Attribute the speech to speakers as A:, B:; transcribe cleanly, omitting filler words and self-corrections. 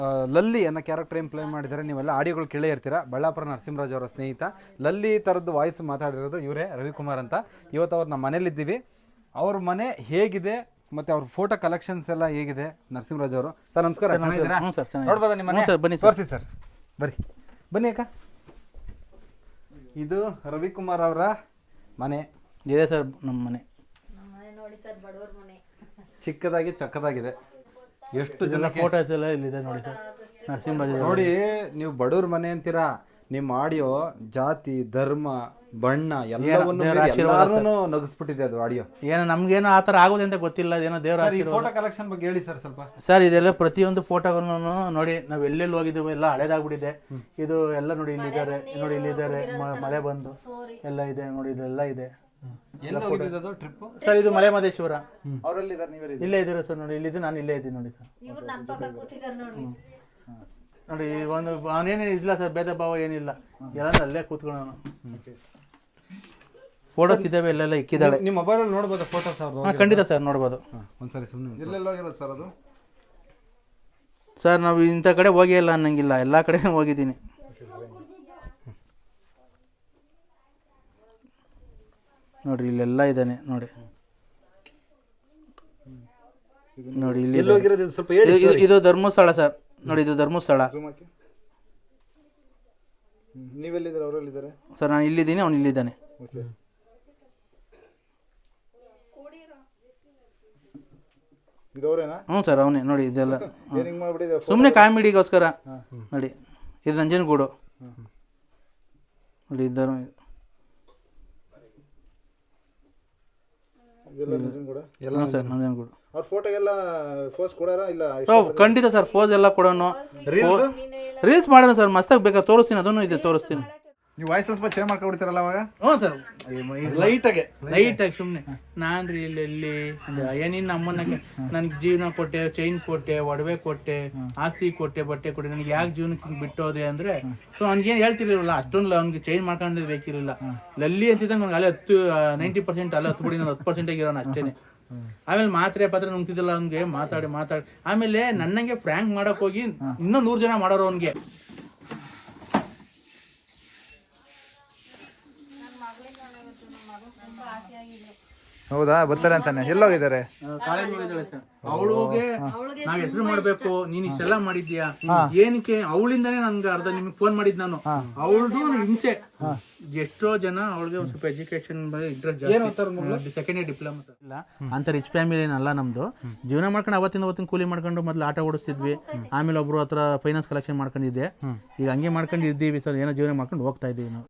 A: ಲಲ್ಲಿ ಅನ್ನೋ ಕ್ಯಾರೆಕ್ಟರ್ ಏನು ಪ್ಲೇ ಮಾಡಿದ್ದಾರೆ. ನೀವೆಲ್ಲ ಆಡಿಯೋಗಳು ಕೇಳೇ ಇರ್ತೀರಾ. ಬಳ್ಳಾಪುರ ನರಸಿಂಹರಾಜ್ ಅವರ ಸ್ನೇಹಿತ ಲಲ್ಲಿ ಥರದ್ದು ವಾಯ್ಸ್ ಮಾತಾಡಿರೋದು ಇವರೇ, ರವಿಕುಮಾರ್ ಅಂತ. ಇವತ್ತು ಅವ್ರು ನಮ್ಮ ಮನೇಲಿದ್ದೀವಿ. ಅವ್ರ ಮನೆ ಹೇಗಿದೆ ಮತ್ತು ಅವ್ರ ಫೋಟೋ ಕಲೆಕ್ಷನ್ಸ್ ಎಲ್ಲ ಹೇಗಿದೆ ನರಸಿಂಹರಾಜ್ ಅವರು. ಸರ್ ನಮಸ್ಕಾರ. ನೋಡ್ಬೋದಾ ನಿಮ್ಮ ಮನೆ? ಬನ್ನಿ ತೋರಿಸಿ ಸರ್, ಬನ್ನಿ ಅಕ್ಕ. ಇದು ರವಿಕುಮಾರ್ ಅವರ ಮನೆ
B: ಇದೆ ಸರ್. ನಮ್ಮ ಮನೆ
C: ನೋಡಿ ಸರ್, ಬಡವರ ಮನೆ,
A: ಚಿಕ್ಕದಾಗಿ ಚಕ್ಕದಾಗಿದೆ. ಎಷ್ಟು ಜನ
B: ಫೋಟೋಸ್ ಎಲ್ಲ ಇಲ್ಲಿದೆ ನೋಡಿ ಸರ್. ನರಸಿಂಹರಾಜ್
A: ನೋಡಿ, ನೀವು ಬಡವ್ರ ಮನೆ ಅಂತೀರಾ, ನಿಮ್ಮ ಆಡಿಯೋ ಜಾತಿ ಧರ್ಮ ಬಣ್ಣ ಎಲ್ಲವನ್ನೂ ನಗಿಸ್ಬಿಟ್ಟಿದೆ ಅದು ಆಡಿಯೋ.
B: ಏನೋ ನಮ್ಗೇನೋ ಆ ಥರ ಆಗೋದು ಅಂತ ಗೊತ್ತಿಲ್ಲ. ಏನೋ ದೇವರ
A: ಫೋಟೋ ಕಲೆಕ್ಷನ್ ಬಗ್ಗೆ ಹೇಳಿ ಸರ್ ಸ್ವಲ್ಪ.
B: ಸರ್ ಇದೆಲ್ಲ ಪ್ರತಿಯೊಂದು ಫೋಟೋಗಳನ್ನು ನೋಡಿ, ನಾವು ಎಲ್ಲೆಲ್ಲಿ ಹೋಗಿದ್ದೀವಿ ಎಲ್ಲ ಹಳೇದಾಗ್ಬಿಟ್ಟಿದೆ. ಇದು ಎಲ್ಲ ನೋಡಿ ಇಲ್ಲಿದ್ದಾರೆ, ನೋಡಿ ಇಲ್ಲಿದ್ದಾರೆ, ಮಳೆ ಬಂದು ಎಲ್ಲ ಇದೆ ನೋಡಿ, ಇದೆಲ್ಲ ಇದೆ ಸರ್. ಇದು ಮಲೆ ಮಹದೇಶ್ವರ, ಇಲ್ಲೇ ಇದ್ದೀರಾ ಸರ್. ನೋಡಿ ಇಲ್ಲಿದ್ದು, ನಾನು ಇಲ್ಲೇ ಇದ್ದೀನಿ ನೋಡಿ ಸರ್. ನೋಡಿ ಒಂದು ಅವನೇನು ಇಲ್ಲ ಸರ್, ಭೇದ ಭಾವ ಏನಿಲ್ಲ, ಎಲ್ಲ ಅಲ್ಲೇ ಕೂತ್ಕೊಳ್ಳೋಣ. ಫೋಟೋಸ್ ಇದ್ದಾವೆ, ಎಲ್ಲೆಲ್ಲ ಇಕ್ಕಿದ್ದಾಳೆ.
A: ನಿಮ್ಮ ಮೊಬೈಲಲ್ಲಿ ನೋಡ್ಬೋದು ಫೋಟೋಸ್?
B: ಖಂಡಿತ ಸರ್, ನೋಡ್ಬೋದು.
A: ಒಂದ್ಸರಿ ಸುಮ್ಮನೆ
D: ಎಲ್ಲೆಲ್ಲೋಗಿರೋದು ಸರ್ ಅದು?
B: ಸರ್ ನಾವು ಇಂಥ ಕಡೆ ಹೋಗಿ ಇಲ್ಲ ಅನ್ನಂಗಿಲ್ಲ, ಎಲ್ಲ ಕಡೆ ಹೋಗಿದ್ದೀನಿ. ನೋಡ್ರಿ ಇಲ್ಲೆಲ್ಲ ಇದ್ದಾನೆ ನೋಡಿ. ನೋಡಿ ಇಲ್ಲಿ ಇದು ಧರ್ಮಸ್ಥಳ ಸರ್. ನೋಡಿ ಇದು ಧರ್ಮಸ್ಥಳ.
D: ನೀವೆಲ್ಲಿದ್ದಾರೆ? ಅವರೆಲ್ಲಿದ್ದಾರೆ
B: ಸರ್? ನಾನು ಇಲ್ಲಿದ್ದೀನಿ, ಅವ್ನು ಇಲ್ಲಿದ್ದಾನೆ. ಹ್ಞೂ ಸರ್, ಅವನೇ. ನೋಡಿ ಇದೆಲ್ಲ ಸುಮ್ಮನೆ ಕಾಮಿಡಿಗೋಸ್ಕರ ನೋಡಿ. ಇದು ನಂಜನಗೂಡು ನೋಡಿ. ಇದ್ದರು ಸರ್ ನಂಜನಗೂಡು. ಖಂಡಿತ ಸರ್, ಪೋಸ್ ಎಲ್ಲ ಕೊಡೋಣ, ರೀಲ್ಸ್ ಮಾಡೋಣ ಸರ್. ಮಸ್ತಾಗಿ ಬೇಕಾದ್ರೆ ತೋರಿಸ್ತೀನಿ, ಅದನ್ನು ಇದೆ ತೋರಿಸ್ತೀನಿ.
D: ನೀವು ವಾಯ್ಸ್ ಸ್ವಲ್ಪ ಚೇಂಜ್ ಮಾಡ್ಕೊಬಿಡ್ತೀರಲ್ಲ ಅವಾಗ?
B: ಹ್ಞೂ ಸರ್,
D: ಲೈಟಾಗಿ
B: ಸುಮ್ಮನೆ. ನಾನು ರೀ ಇಲ್ಲಿ ಏನಿನ್ನ ಅಮ್ಮನ ನನಗೆ ಜೀವನ ಕೊಟ್ಟೆ, ಚೈನ್ ಕೊಟ್ಟೆ, ಒಡವೆ ಕೊಟ್ಟೆ, ಆಸ್ತಿ ಕೊಟ್ಟೆ, ಬಟ್ಟೆ ಕೊಟ್ಟೆ, ನನಗೆ ಯಾಕೆ ಜೀವನಕ್ಕೆ ಬಿಟ್ಟೋದೆ ಅಂದರೆ, ಸೊ ಅವ್ನಿಗೇನು ಹೇಳ್ತಿರಲಿಲ್ಲ, ಅಷ್ಟೊಂದು ಅವ್ನಿಗೆ ಚೈನ್ ಮಾಡ್ಕೊಂಡೇ ಬೇಕಿರಲಿಲ್ಲ. ಲಲ್ಲಿ ಅಂತಿದ್ದಂಗೆ ಅವ್ನಿಗೆ ಅಲ್ಲೇ 90% ಅಲ್ಲೇ 10 ಬಿಡಿ, ನಾನು 10% ಇರೋನು ಅಷ್ಟೇ. ಆಮೇಲೆ ಮಾತ್ರೆ ನುಂಗ್ತಿದ್ದಿಲ್ಲ ಅವ್ನಿಗೆ, ಮಾತಾಡಿ ಆಮೇಲೆ ನನ್ನಂಗೆ ಫ್ರ್ಯಾಂಕ್ ಮಾಡಕ್ ಹೋಗಿ ಇನ್ನೂ 100 ಜನ ಮಾಡೋರು ಅವ್ನಿಗೆ.
D: ಹೌದಾ? ಬರ್ತಾರೆ ಅಂತಾನೆ. ಎಲ್ಲೋಗಿದ್ದಾರೆ?
B: ಕಾಲೇಜ್ ಹೋಗಿದ್ದಾಳೆ ಸರ್. ಅವಳಿಗೆ ನಾವ್ ಹೆಸರು ಮಾಡ್ಬೇಕು, ನೀನ್ ಇಷ್ಟೆಲ್ಲ ಮಾಡಿದ್ಯಾ, ಏನಕ್ಕೆ ಅವಳಿಂದಾನೇ ನನ್ಗೆ ಅರ್ಧ ನಿಮ್ಗೆ ಫೋನ್ ಮಾಡಿದ್ ನಾನು. ಅವಳದು ಹಿಂಸೆ. ಎಷ್ಟೋ ಜನ ಅವಳಿಗೆ ಒಂದು ಸ್ವಲ್ಪ education interest, second year diploma ಇಲ್ಲ ಅಂತ. ರಿಚ್ ಫ್ಯಾಮಿಲಿ ಏನಲ್ಲ ನಮ್ದು. ಜೀವನ ಮಾಡ್ಕೊಂಡು ಅವತ್ತಿನ ಕೂಲಿ ಮಾಡ್ಕೊಂಡು ಮೊದಲು ಆಟ ಓಡಿಸ್ತಿದ್ವಿ. ಆಮೇಲೆ ಒಬ್ರು ಹತ್ರ ಫೈನಾನ್ಸ್ ಕಲೆಕ್ಷನ್ ಮಾಡ್ಕೊಂಡಿದ್ದೆ. ಈಗ ಹಂಗೆ ಮಾಡ್ಕೊಂಡು ಇದ್ದೀವಿ ಸರ್. ಏನೋ ಜೀವನ ಮಾಡ್ಕೊಂಡು ಹೋಗ್ತಾ ಇದ್ದೀವಿ ನಾವು.